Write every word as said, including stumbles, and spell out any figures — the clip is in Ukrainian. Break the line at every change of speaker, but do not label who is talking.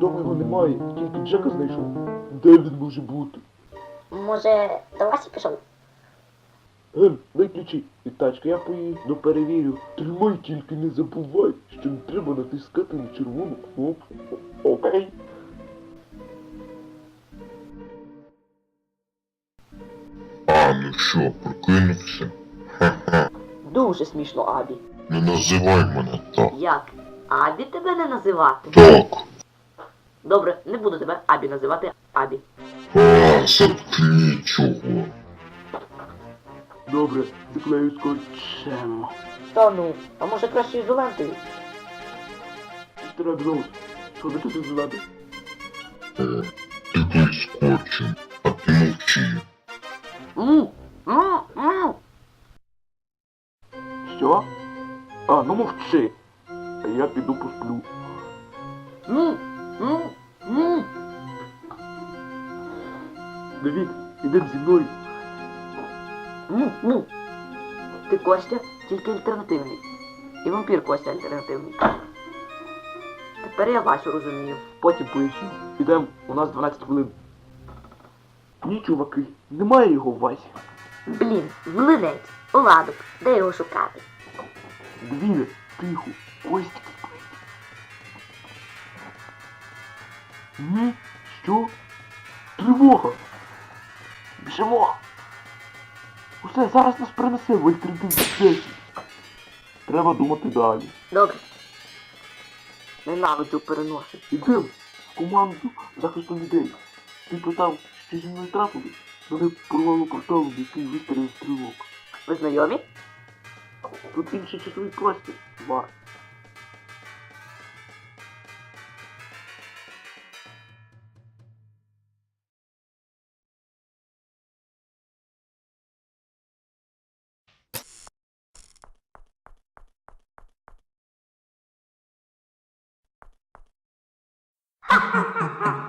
Вдома його немає, тільки Джека знайшов. Де він може бути?
Може, до Васі пішов?
Ем, виключи від тачки, я поїду перевірю. Тримай, тільки не забувай, що не треба натискати на червону кнопку. Окей?
А, ну що, прокинувся? Ха-ха.
Дуже смішно, Абі.
Не називай мене так.
Як? Абі тебе не називати?
Так.
Добре, не буду тебе Абі називати Абі.
А, заткни чого.
Добре, заклею скотчем.
Та ну, а може краще ізолентою?
Містер Абілоус, що ви тут звати?
О, ти тут скотчем, а ти мовчи.
Му, му, му.
Що? А, ну мовчи. А я піду посплю.
Му, му, му.
Давід, ідем зі мною.
Му, му. Ти Костя, тільки альтернативний. І вампір Костя альтернативний. Тепер я Васю розумію.
Потім поясню. Ідем, у нас дванадцять хвилин. Ні, чуваки, немає його в Васі.
Блін, млинець, оладок, де його шукати?
Дві, тихо, Костя. Ні, що? Тривога! Біжимо! Усе, зараз нас принесе в альтернативну сесію. Треба думати далі.
Добре. Ненавиджу переносити.
Ідем в команду захисту людей. Ти питав, що зі мною трапилось? Мене порвало порталом, який вистрілив стрілок.
Ви знайомі?
Тут інший часовий простір. Бар.
Ха-ха-ха-ха.